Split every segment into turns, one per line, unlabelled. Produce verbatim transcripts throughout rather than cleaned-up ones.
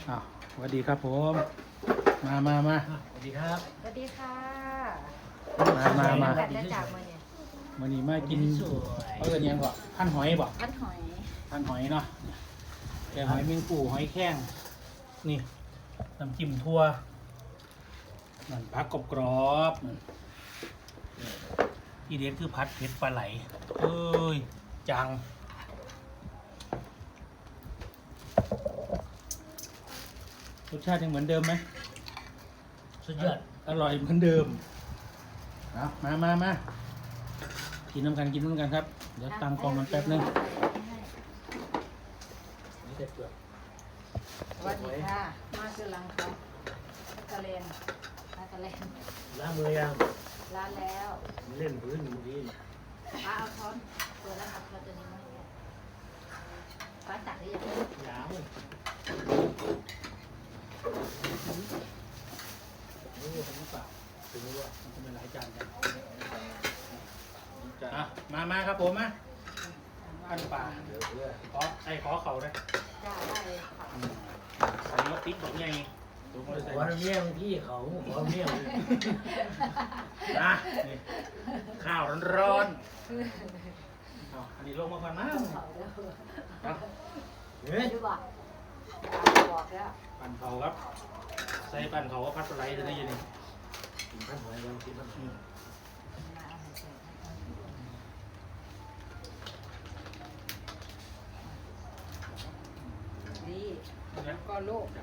อ้าวสวัสดีครับผมมามามา
สวัสดีครับ
สวัสดีค่ะ
มามามา
แต่ได้จากมาเนี่ย
วันนี้มากินเขาเอิ้นหยังก่อนพันหอยบ่
พันหอย
พันหอยเนาะแกงหอยเมงปูหอยแข้งนี่น้ำจิ้มทั่วนั่นผักกรอบๆนั่นที่เด็ดคือผัดเผ็ดปลาไหลเอ้ยจังรสชาติยังเหมือนเดิมไหม
สุดยอด
อร่อยเหมือนเดิมเอามามามากินน้ำกันกินน้ำกันครับเดี๋ยวตั้งกองมันแป๊บนึงนี่เด็ดเปลือก
สวัสดีค่ะมาคือลังครับกะเลนมากะเลน
ล้างมือยัง
ร้านแล้ว
เล่นพื้นอยู่ดี
ป้าเอาช้อนตัวแล้วครับเราจะนี้มาให้ป้าตักได้ยัง
ยาว
โอ้ทำหรือเปล่าถึงรู้ว่ามันจะเป็นหลายจานกันอ่ะมามาครับผมมาอันป่า
เดี๋ยวเพื่อ
ขอไอ้ขอเขาเลย
จ้าได้เลยค่ะ
ใส่มะติ๊กดอกใหญ่ดูมาใส่
วันเมี่ยงพี่เขาขอเมี่ยง
นะนี่ข้าวร้อนๆเอาอันนี้ลงมาก่อนนะ
เขาแล้ว
เอา
เฮ้ย
ดูบอกบอกแล้ว
ปั่นเขาครับใส่ปั่นเขาก็พัดปลาไหลจะได้ยินนี่
กินพันหอยยังกินพันหอย
ดี
นะ
ก็ลูก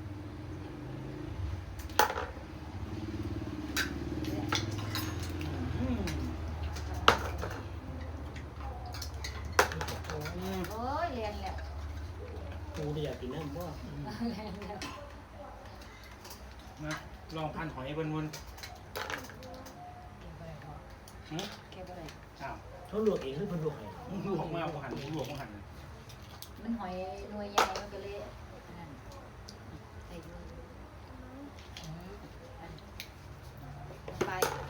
โอ้ยเรียนแล้ว
กูไม่อยากกินน้ำบ่
เรียนแล้ว
นะลองพันหอยวนๆหืม
แค่บ่ได้
อ้าว
เขาลวกเองหรือเพิ่นลวกให้
ลวกมาหันลวกมาหัน
มันหอยหน่วยใหญ่มันก็เลยนั่นใส่ดูไป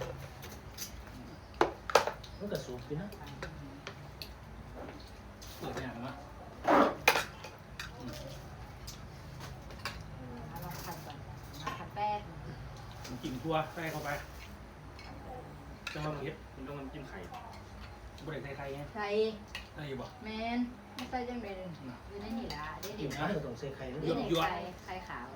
มันก็สูบกินนะ
เปิดอย่างนะ
เอาลองผัดก่อนมาผัดแป้ง
มันกินทั่วใส่เข้าไปจะมาเห็ดมันต้องมันกินไข่บริใส่ไข่ไง
ใส่
ได้อยู่บ่
แมนไม่ใส่จังเลยอยู่ในนี่ละเด็ด
กิ
เด็
น
ด
ข้าวต้องใส่ไข่นะ
เด็ดไข่ไข่ขาว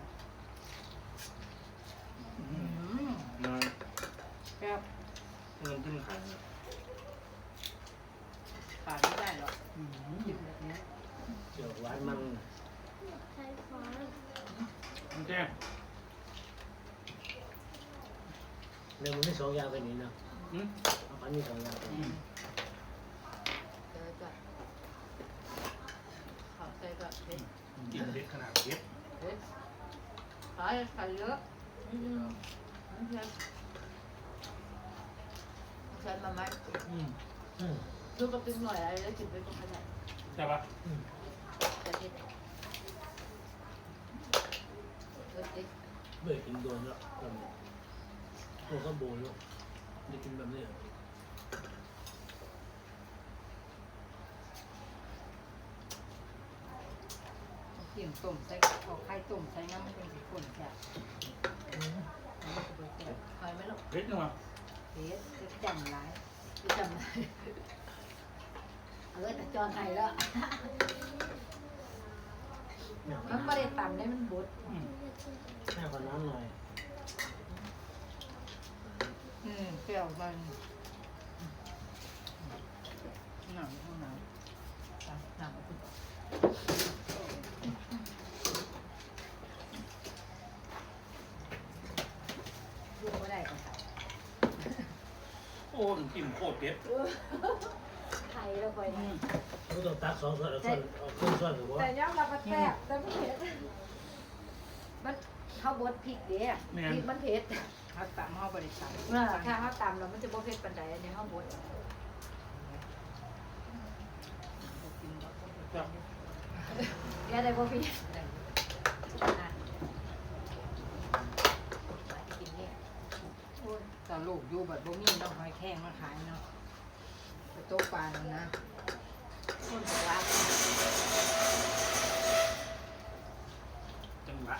อื
อื
ม
ม
มา
ครับ
มันกินไข่
ขาดไม่ได้หรอก
อืม
กินแบบนี้
เจียวหวานมัน
มันแจ้ง
เนี่ยมันไม่สองอย่างเป็นนี้นะ
อืม
เอาปันมีสองอย่าง
อืม
เจอก่อนขอใส่ก่อนเผ็ด
กินเด็ดขนาดเด็ด
เผ็ดขอใส่เยอะอืมเผ็ดใส่มาไหม
อืม
อืม
ดูกระติ้งหน่อยอะไรแล้วกินไปก็ไม่ได้
ใช่ปะ
อืม
แต่เผ็ดเผ็ดดิ
เบื่อกินโดนแล้วคนตัวก็โบนแล้วได้กินแบบนี้
เกี่ยงต้มใส่เอาไข่ต้มใส่น้ำมันเป็นสีข้นแซ่บหอยไหมลูก
เด็ดจังวะ
เฮ็ดจะจำไรจะจำไรเออแต่จอนไทยแล้ว มันไม่ได้ต่ำได้มันบด
อืม
แค่คนน้ำหน่อย
อืมเปรี้ยวมันหนังข้างหนังหนังดูไม่ได้ก่อนค่ะ
โอ้น้ำจิ้มโคตรเด็ด
ไทยแล้วไป
อืม
ก็ต้องตักสองส่วนเอาส่วนเอาครึ่งส่วนหรือว่า
แต่ย่ำเราก็แซ่บแต่ไม่เผ็ดมันข้าวบดพริกเด้พริกมันเผ็ด
เขาตำเขาบริษัท
ถ้าข้าวตำแล้วมันจะบ่เผ็ดปานใดอันนี้ข้าวบด
ครับ
อย่าได้บ่พี่กินเนี่ย
ตอนลูกอยู่แบบบ่มีเนาะหอยแข้งมาขายเนาะไปโต๊ะปลาแล้วนะ
คนบอกว่า
จังหวะละ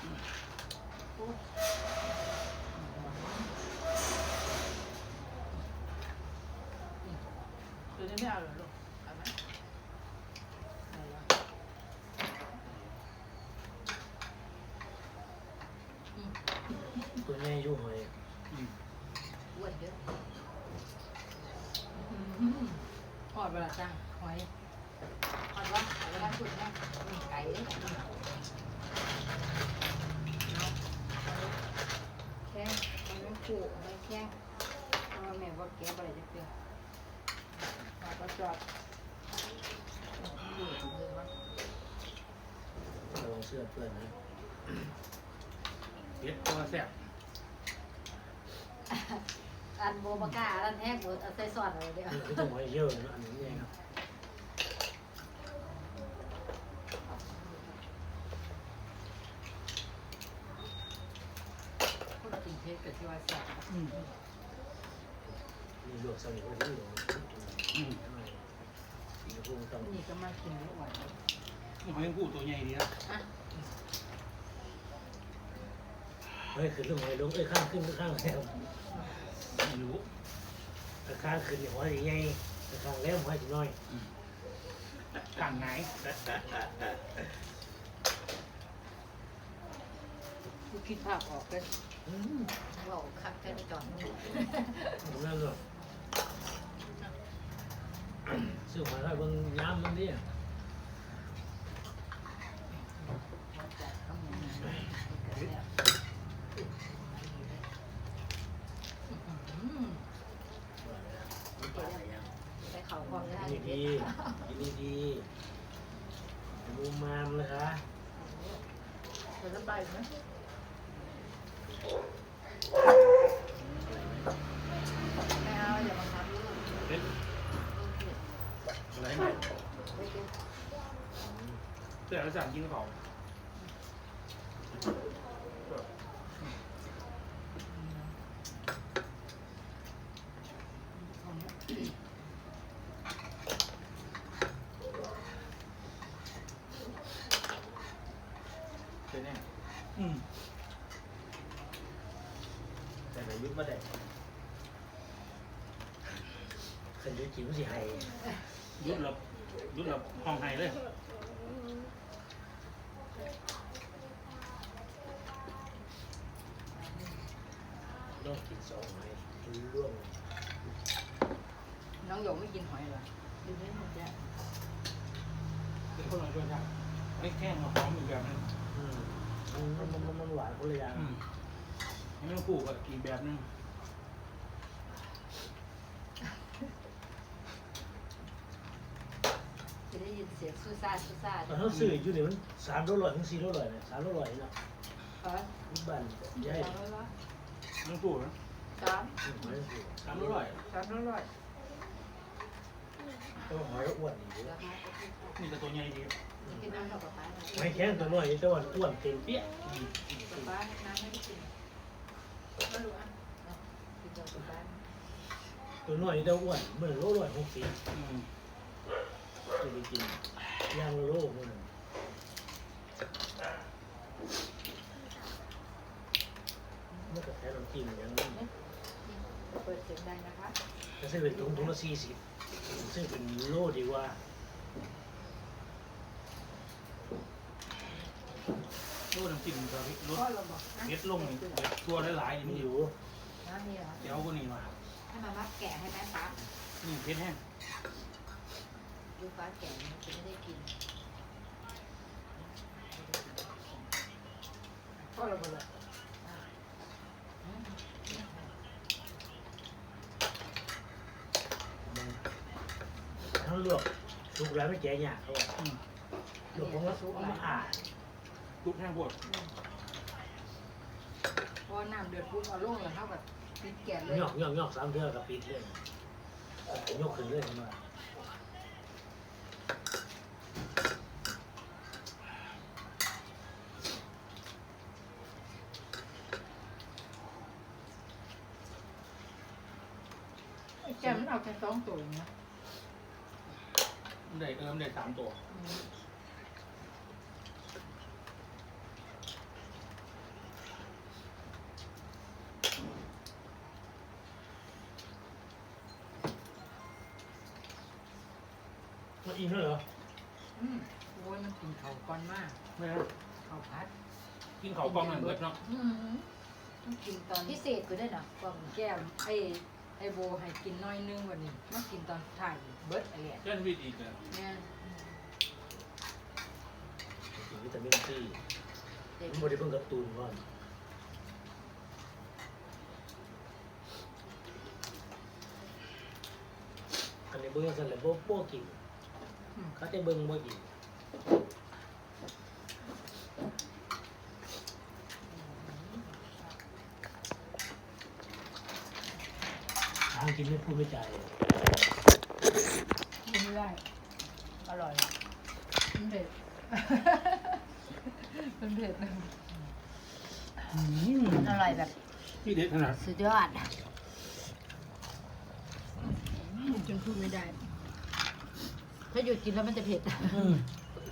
ตัวนี้ไม่เอาเหรอลูกเอาไหมเอาละอืม
ตัวแม่ยุ่งเลย
อืม
อ้วนเยอะ
อืมทอดเวลาจ้างหอย
อ่อนว่าเวลาขุดนะอืมไก่เลยแข้งมันไม่ผูกไม่แข้งเพราะว่าแม่ว่าแกะอะไรจะเปรี้ยว
ทอดก็จอดดูดมือวะ
ระวังเสื้อเปื้อนนะ
เผ็ดตัวแซ่บ
อันโบมากล้าอันแห้งหมดเอาใส่ซอสอะไรเดียว
นี่คือตัวหอยเยอะนะอันนี้เนี่ยครับ
คนกินเผ็ดกับที่ว่าแซ่บ
อืม
มีลวกสลิดไว้ที่หลวง
อืม
ทำไมอีกพวกต้อง
นี่ก็มากินไม่ไหว
หอยแมงผู้ตัวใหญ่ดีนะ
อ่ะ
เฮ้ยขึ้นลงหอยลงเอ้ยข้างขึ้นข้างแล้ว
ไม่รู้
ข้างขึ้นเนี่ยหอยใหญ่ข้างแล้วหอยน้อย
กลางไหน
กูคิดภาพออกเลย
อืม
ว่าคักแค่ในจอดมัน
นั่นหรอซื้อหอยไว้บนย้ำมันดิ
อืม
ใส่เขาความได้
กินดีกินดีดูมามนะคะ
เดี๋ยวจะไปไหม
ไม่เอาอย่าบังคับลูก
เผ็ดอะไรไหม
ไม่กิน
เสื้อแล้วสั่งกินของ
เป็นไง
อืม
แต่ในยุคมาได้ขันยุคจิ๋วสิให้
ยุดหลับยุดหลับห้องไห้เลย
ต้องกินสองหอยร่วง
น้องหยกไม่กินหอยเหรอ
ดูไม่หมดแล้ว
เป็นคนละรสชาติไม่แข้งมาหอมอีกแบบนึง
อืมมันมันมันมันหวานคนละอย่าง
อืมหอยแมงผู้ก็อีกแบบนึง
จะได้ยินเสียงซูซ่าซูซ่า
ตอนเขาซื้ออยู่นี่มันสามร้อยถึงสี่ร้อยเนี่ยสามร้อยเนาะ
เออ
นี่บ้านใหญ่
สามร้อยวะ
แมงผู้นะ
สาม
หอยสูง
สามร้อย
สามร้อย
ต้องหอยอ้วนอีก
ราคาก็คือ
นี่ก็ตัวใหญ่ดี
กินน้ำดอกกระป๋าหน่อย
หอยแข็งตัวน้อยแต่ว่าอ้วนเต็มเปี้ย
อืม
กระป๋าน้ำไม่ได้กินไม่รู้อ่ะกินดอกกระป๋า
ตัวน้อยแต่อ้วนเหมือนโลร้อยหกสิบ
อืม
จะไปกินย่างโลโลมันมันก็แค่น้ำจิ้มอย่างนี้
เปิดเสียงดังนะคะ
ถ้าซื้อเป็นถุงถุงละสี่สิบซื้อเป็นโลดีกว่า
โลน้ำจิ้มกับรส
พ่อเราบอก
เผ็ดลงนี่เผ็ดตัวหลายๆนี่
มั
มัน น
อ
อยู่
ยู่
น้ำนี่เหรอ
เดี๋ยวก็นี่มา
ให้มามักแกะให้แม่ฟ้า
นี่เผ็ดแห้ง
ดูฟ้าแกะมันจะไม่ได้กิน
ก็ระเบิด
ทั้งลวกสุกแล้วไม่แก่ยากเขาบอก
อืม
ลวกของเราสุกมาอ่าน
ลูกแห้งปวด
พอน้ำเดือดปุ๊บเอาลงแล้วเขาแบบปิดแก๊สเลย
งอกงอกงอกสามเทือกับปิดเลยยกขึ้นเลยทำไม
แก้มมันเอาแค่สองตัวเองนะ
มันได้เออมันได้สามตัว
อืม
มันอิ่มแล้วเหรอ
อืมโอ้ยมันกินเขาวก่อนมาก
ไม่นะ
เขาวพัด
กินเขาวกล้องนั่นเบิดเนาะ
อืมต้องกินตอน
พิเศษกูด้วยเนาะกล่อง
แก้วไอ้ไอ้โบให้กินน้อยนึงวันนี้มากินตอนถ่ายเบิร์ดอะไร
แจ้นวิทย์อีกเลย
เนี่ย
กินวิตามินซีผมไม่ได้เพิ่งการ์ตูนก่อนอันนี้เบิ้งสั่นเลยโบ๊ะโบ๊ะกินเขาจะเบิ้งโบ๊ะกินทางกินไม่พูดไม่จ่าย
กินไม่ได้อร่อยมันเผ็ด มันเผ็ดนะ
อืม
อร่อยแบบ
ที่เด็ดขนาด
สุดยอด
จนพูดไม่ได้
ถ้าหยุดกินแล้วมันจะเผ็ด
อืม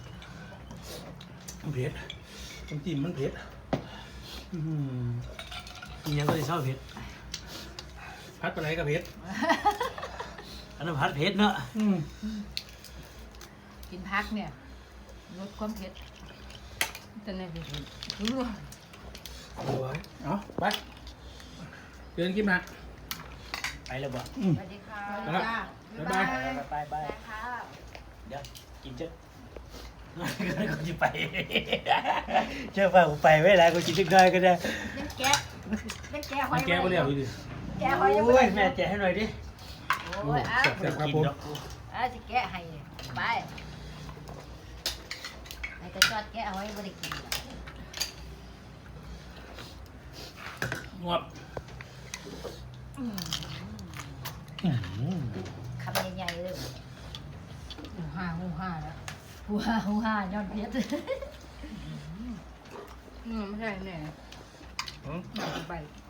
มันเผ็ดน้ำจิ้มมันเผ็ดอืม
กินยังก็จะเศร้าเผ็ด
พัดปลาไหลกับเผ็ด
อันนั้นผัดเผ็ดเนาะ
อืม
กินพักเนี่ยลดความเผ็ดแต่ในเผ็ดรู้
โอ้ย
เอาไปเดินกินมา
ไปแล้วบ่
อืม
สวัสดีค่ะ
ไปแล้ว บ๊ายบาย
ไปไป
ได้ค่ะ
เดี๋ยวกินเจ้ากูจะไปเชื่อป่ะกูไปไม่ได้กูกินจักได้ก็ได้
เล่นแกะเล่นแกะหอ
มั
ย
นแก้ไปเรียบ
เล
เลย ยดิ
แกะหอยยัง
โอ้
ไม่
ย
ได้
แม่แจกให้หน่อยดิ
โอ้ยอ่ะ
แซ่บครับผม
อ่ะจะแกะให้ไปไอ้กระจอดแกะหอยไม่ได้กินหรอก
งวบอืม
คำใหญ่ๆเลย
หูห้าหูห้าแล้ว
หัวหัวย้อนเพชร
อืมไม่ใช่แน่
อืม
ไป
อ